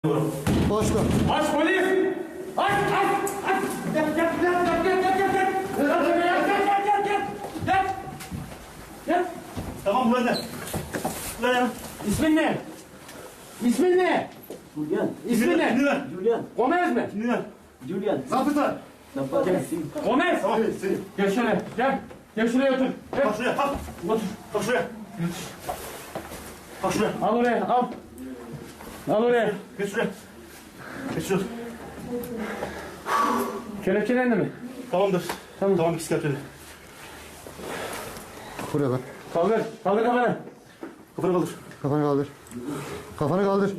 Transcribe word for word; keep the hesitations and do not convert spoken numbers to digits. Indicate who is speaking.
Speaker 1: Başla.
Speaker 2: Aç polis! Aç aç aç! Gel gel gel gel gel gel gel gel! Gel gel gel gel gel! Gel! Gel!
Speaker 3: Tamam burada. Buraya.
Speaker 2: İsmin ne? İsmin ne?
Speaker 4: Julian.
Speaker 2: İsmin ne?
Speaker 3: Dinle.
Speaker 4: Julian.
Speaker 2: Gomez mi?
Speaker 3: Dinle.
Speaker 4: Julian.
Speaker 1: Zabıta.
Speaker 4: Zapata sim.
Speaker 2: Gomez!
Speaker 3: Tamam.
Speaker 1: Seni.
Speaker 2: Gel şöyle gel. Gel şuraya otur. Gel.
Speaker 3: Bak şuraya. Kalk.
Speaker 2: Otur.
Speaker 3: Kalk şuraya. Kalk şuraya.
Speaker 2: Al oraya al. Al oraya.
Speaker 3: Geç şuraya. Geç şuraya.
Speaker 2: Kelepçelendi mi?
Speaker 3: Tamamdır.
Speaker 2: Tamam.
Speaker 3: Tamam ikisi kelepçeli.
Speaker 1: Buraya bak.
Speaker 2: Kaldır. Kaldır kafanı.
Speaker 3: Kafanı kaldır.
Speaker 1: Kafanı kaldır. Kafanı kaldır.